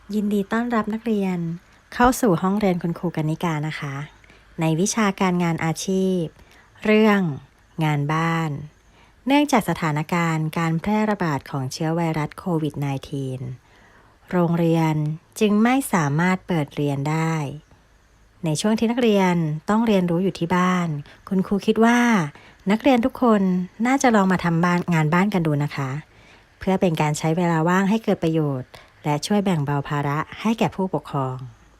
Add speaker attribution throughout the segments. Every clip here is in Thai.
Speaker 1: ยินดีต้อนรับนักเรียนเข้าสู่ห้องเรียนคุณครูกนิกานะคะ ในวิชาการงานอาชีพ เรื่องงานบ้าน เนื่องจากสถานการณ์การแพร่ระบาดของเชื้อไวรัสโควิด -19 โรงเรียนจึงไม่สามารถเปิดเรียนได้ ในช่วงที่นักเรียนต้องเรียนรู้อยู่ที่บ้าน คุณครูคิดว่านักเรียนทุกคนน่าจะลองมาทำงานบ้านกันดูนะคะ เพื่อเป็นการใช้เวลาว่างให้เกิดประโยชน์และช่วยแบ่งเบาภาระให้แก่ผู้ปกครอง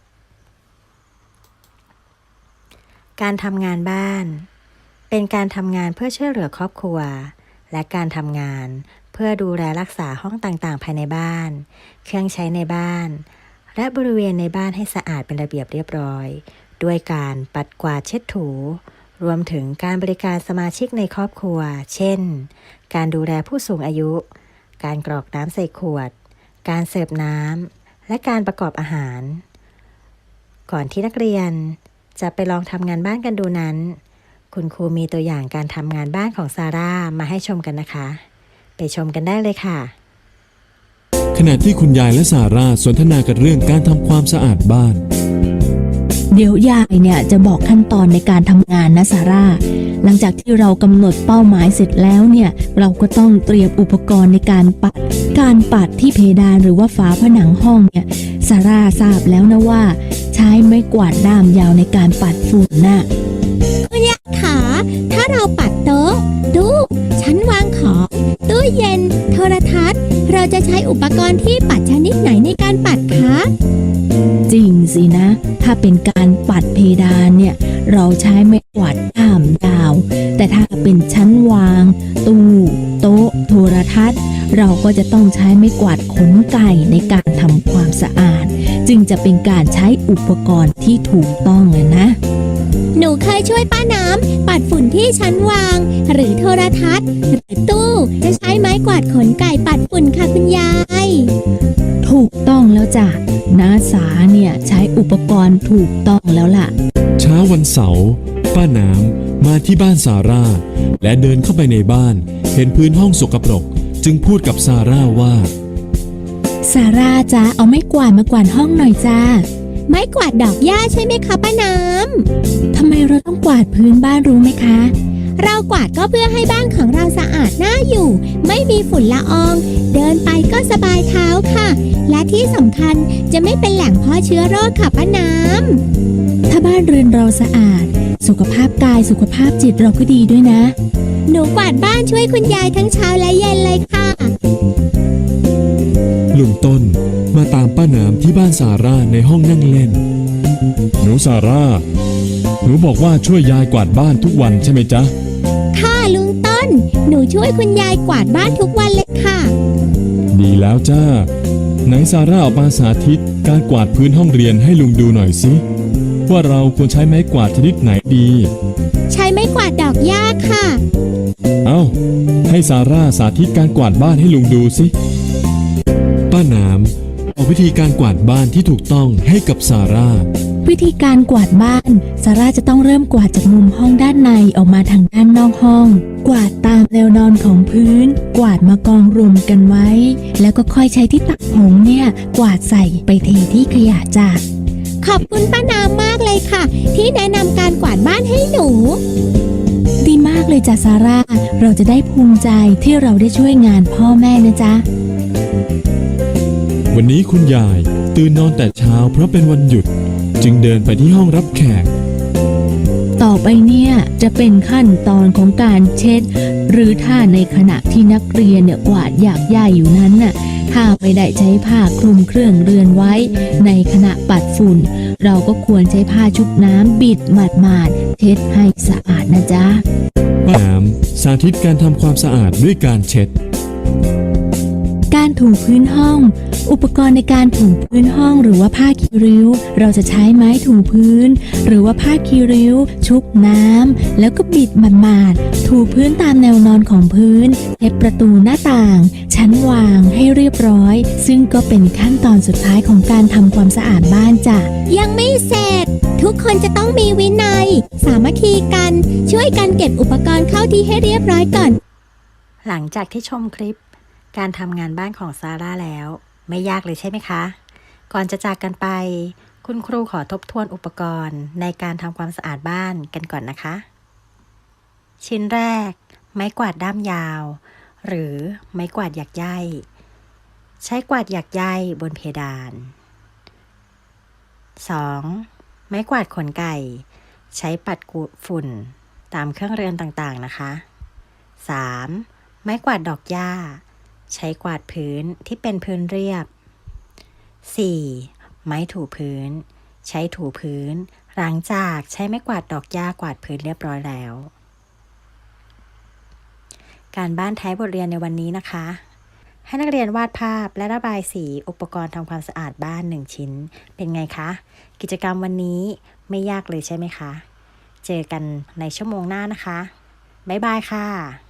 Speaker 1: การทำงานบ้านเป็นการทำงานเพื่อช่วยเหลือครอบครัวและการทำงานเพื่อดูแลรักษาห้องต่างๆภายในบ้านเครื่องใช้ในบ้านและบริเวณในบ้านให้สะอาดเป็นระเบียบเรียบร้อยด้วยการปัดกวาดเช็ดถูรวมถึงการบริการสมาชิกในครอบครัวเช่นการดูแลผู้สูงอายุการกรอกน้ำใส่ขวดการเสิร์ฟน้ำและการประกอบอาหารก่อนที่นักเรียนจะไปลองทำงานบ้านกันดูนั้นคุณครูมีตัวอย่างการทำงานบ้านของซาร่ามาให้ชมกันนะคะไปชมกันได้เลยค่ะ
Speaker 2: ขณะที่คุณยายและซาร่าสนทนากันเรื่องการทำความสะอาดบ้าน
Speaker 3: เดี๋ยวยายเนี่ยจะบอกขั้นตอนในการทำงานนะซาร่าหลังจากที่เรากำหนดเป้าหมายเสร็จแล้วเนี่ยเราก็ต้องเตรียมอุปกรณ์ในการปัดที่เพดานหรือว่าฝาผนังห้องเนี่ยซาร่าทราบแล้วนะว่าใช้ไม้กวาดด้ามยาวในการปัดฝุ่นน่ะ
Speaker 4: คุณยายขาถ้าเราปัดโต๊ะตู้ชั้นวางของตู้เย็นโทรทัศน์เราจะใช้อุปกรณ์ที่ปัดชนิดไหนในการปัดคะ
Speaker 3: จริงสินะถ้าเป็นการปัดเพดานเนี่ยเราใช้ไม้กวาดด้ามยาวแต่ถ้าเป็นชั้นวางตู้โต๊ะโทรทัศน์เราก็จะต้องใช้ไม้กวาดขนไก่ในการทำความสะอาดจึงจะเป็นการใช้อุปกรณ์ที่ถูกต้องนะ
Speaker 4: หนูเคยช่วยป้าน้ำปัดฝุ่นที่ชั้นวางหรือโทรทัศน์หรือตู้จะใช้ไม้กวาดขนไก่ปัดฝุ่นค่ะคุณยาย
Speaker 3: ถูกต้องแล้วจ้ะน้าสาเนี่ยใช้อุปกรณ์ถูกต้องแล้วล่ะ
Speaker 2: เช้าวันเสาร์ป้าน้ำมาที่บ้านซาร่าและเดินเข้าไปในบ้านเห็นพื้นห้องสกปรกจึงพูดกับซาร่าว่า
Speaker 3: ซาร่าจ้าเอาไม้กวาดมากวาดห้องหน่อยจ้า
Speaker 4: ไม้กวาดดอกหญ้าใช่ไหมคะป้าน้
Speaker 3: ำทำไมเราต้องกวาดพื้นบ้านรู้ไหมคะ
Speaker 4: เรากวาดก็เพื่อให้บ้านของเราสะอาดน่าอยู่ไม่มีฝุ่นละอองเดินไปก็สบายเท้าค่ะและที่สำคัญจะไม่เป็นแหล่งเพาะเชื้อโรคค่ะป้าน้
Speaker 3: ำถ้าบ้านเรือนเราสะอาดสุขภาพกายสุขภาพจิตเราก็ดีด้วยนะ
Speaker 4: หนูกวาดบ้านช่วยคุณยายทั้งเช้าและเย็นเลยค่ะ
Speaker 2: ลุงต้นมาตามป้าน้ำที่บ้านซาร่าในห้องนั่งเล่นหนูซาร่าหนูบอกว่าช่วยยายกวาดบ้านทุกวันใช่ไหมจ๊ะ
Speaker 4: ค่ะลุงต้นหนูช่วยคุณยายกวาดบ้านทุกวันเลยค่ะ
Speaker 2: ดีแล้วจ้าไหนซาร่าออกมาสาธิตการกวาดพื้นห้องเรียนให้ลุงดูหน่อยสิว่าเราควรใช้ไม้กวาดชนิดไหนดี
Speaker 4: ใช้ไม้กวาดดอกหญ้าค่ะ
Speaker 2: เอาให้ซาร่าสาธิตการกวาดบ้านให้ลุงดูสิป้าน้ำเอาวิธีการกวาดบ้านที่ถูกต้องให้กับซาร่า
Speaker 3: วิธีการกวาดบ้านซาร่าจะต้องเริ่มกวาดจากมุมห้องด้านในออกมาทางด้านนอกห้องกวาดตามแนวนอนของพื้นกวาดมากองรวมกันไว้แล้วก็ค่อยใช้ที่ตักผงเนี่ยกวาดใส่ไปเทที่ขยะจ้ะ
Speaker 4: ขอบคุณป้าน้ำมากเลยค่ะที่แนะนำการกวาดบ้านให้หนู
Speaker 3: ดีมากเลยจ้ะซาร่าเราจะได้ภูมิใจที่เราได้ช่วยงานพ่อแม่นะจ๊ะ
Speaker 2: วันนี้คุณยายตื่นนอนแต่เช้าเพราะเป็นวันหยุดจึงเดินไปที่ห้องรับแขก
Speaker 3: ต่อไปเนี่ยจะเป็นขั้นตอนของการเช็ดหรือถ้าในขณะที่นักเรียนเนี่ยกวาดหยากหญ้าอยู่นั้นน่ะถ้าไม่ได้ใช้ผ้าคลุมเครื่องเรือนไว้ในขณะปัดฝุ่นเราก็ควรใช้ผ้าชุบน้ำบิดหมาดๆเช็ดให้สะอาดนะจ๊ะ
Speaker 2: ป้าน้ำสาธิตการทำความสะอาดด้วยการเช็ด
Speaker 3: การถูพื้นห้องอุปกรณ์ในการถูพื้นห้องหรือว่าผ้าคีริ้วเราจะใช้ไม้ถูพื้นหรือว่าผ้าคีริ้วชุบน้ำแล้วก็บิดหมาดๆถูพื้นตามแนวนอนของพื้นเช็ดประตูหน้าต่างชั้นวางให้เรียบร้อยซึ่งก็เป็นขั้นตอนสุดท้ายของการทำความสะอาดบ้านจ้ะ
Speaker 4: ยังไม่เสร็จทุกคนจะต้องมีวินัยสามัคคีกันช่วยกันเก็บอุปกรณ์เข้าที่ให้เรียบร้อยก่อน
Speaker 1: หลังจากที่ชมคลิปการทำงานบ้านของซาร่าแล้วไม่ยากเลยใช่ไหมคะก่อนจะจากกันไป คุณครูขอทบทวนอุปกรณ์ในการทำความสะอาดบ้านกันก่อนนะคะ ชิ้นแรก ไม้กวาดด้ามยาว หรือไม้กวาดหยักใยใช้กวาดหยักใยบนเพดาน 2. ไม้กวาดขนไก่ ใช้ปัดกวาดฝุ่นตามเครื่องเรือนต่างๆนะคะ 3. ไม้กวาดดอกหญ้า ใช้กวาดพื้นที่เป็นพื้นเรียบ 4. ไม้ถูพื้น ใช้ถูพื้นหลังจากใช้ไม้กวาดดอกหญ้ากวาดพื้นเรียบร้อยแล้ว การบ้านท้ายบทเรียนในวันนี้นะคะ ให้นักเรียนวาดภาพและระบายสีอุปกรณ์ทำความสะอาดบ้าน1ชิ้นเป็นไงคะกิจกรรมวันนี้ไม่ยากเลยใช่ไหมคะเจอกันในชั่วโมงหน้านะคะบ๊ายบายค่ะ